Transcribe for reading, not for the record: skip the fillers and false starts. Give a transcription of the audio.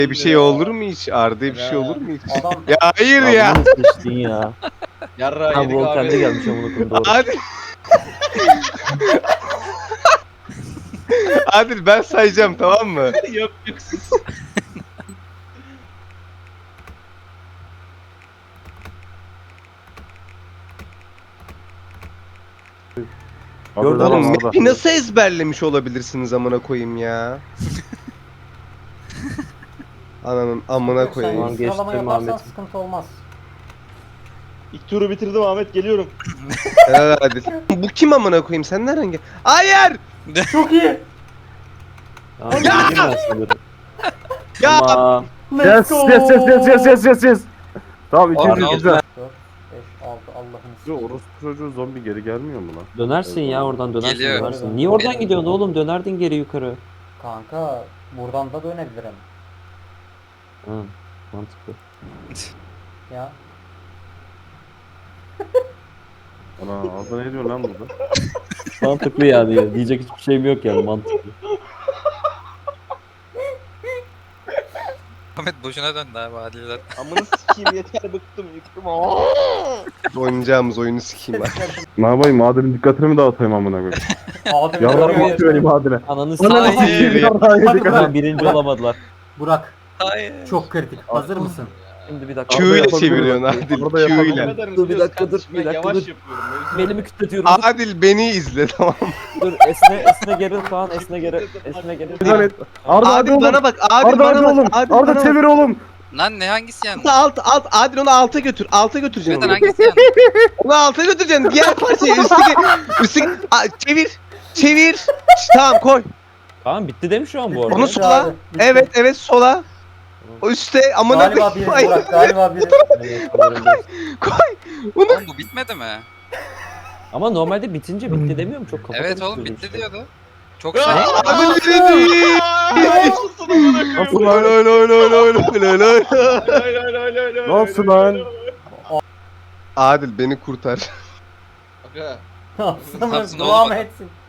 Bir şey olur mu hiç? Arda'ya bir şey olur mu hiç? Adam Ya hayır Ya ya. bunu seçtin ya. Yarra Ha yedik Volkan da abi. gelmiş amına koyayım doğru. Adil. Adil ben sayacağım tamam mı? Yok yok siz. Gördün mü? Oğlum map'i nasıl ezberlemiş olabilirsiniz amına koyayım ya? Ananın amına sen koyayım. Tamam, bir sıralama geçtim yaparsan Ahmet. sıkıntı olmaz. İlk turu bitirdim Ahmet geliyorum. Helal Adil. Bu kim amına koyayım? Sen nereden gel? Hayır! Çok iyi. Tamam, bildim ben seni. Ya! Tamam. Let's go. Yes. Tamam Aa, ikinci ne oldu güzel. 4, 5, 6 Allah'ını Şu sikeyim. orospu çocuğu zombi geri gelmiyor mu lan? Dönersin ya oradan dönersin Geliyor. dönersin. Niye oradan gidiyorsun oğlum? Dönerdin geri yukarı. Kanka buradan da dönebilirim. Ha, mantıklı. Ya. Ana Arda ne diyor lan burada? Mantıklı yani. Diyecek hiçbir şeyim yok yani mantıklı. Ahmet boşuna döndü abi Adil'den. Amını sikeyim yeter bıktım yıktım. Oynayacağımız oyunu sikeyim ben. Ne yapayım Adil'in dikkatini mi dağıtayım amına koyayım? Abi Yarlar görüyor. mı benim Adil'e? Ananı Ananı s***. sikeyim Hayır. yarrağı yedik Hadi hadi. Ulan birinci olamadılar. Burak Hayır. çok kritik. Hazır mısın? Şimdi bir dakika. Q ile yapabiliyor çeviriyorsun bak. Adil. Arda Q yapabiliyor. ile. Dur, bir dakika, dur, bir dakika, Yavaş dur. yapıyorum. Belimi kütletiyorum. Adil beni izle tamam mı? Dur esne geri falan esne geri. Güzel et. Arda hadi Adil oğlum. bana bak. Adil Arda bana hadi bak. oğlum. Adil Arda bana bak. çevir oğlum. Lan ne hangisi yandı? Alt Adil onu alta götür. Alta götüreceksin Neden onu. hangisi yandı? Onu alta götüreceksin. Diğer parçayı üstüne çevir. Tamam koy. Tamam bitti değil mi şu an bu arada? Onu Bitti sola. abi, bitti. Evet sola. O üstte amına Galiba biri koyayım. Burak galiba biri. Evet, sanırım değil. Onu Oğlum bu bitmedi mi? Ama normalde bitince bitti demiyorum çok kafa Evet oğlum karıştırdım bitti işte. diyordu. Çok şey. Adil dedi. Nasıl Nasıl lan? Adil beni kurtar. Aga. Yapsın Yapsın oğlum devam adam. etsin.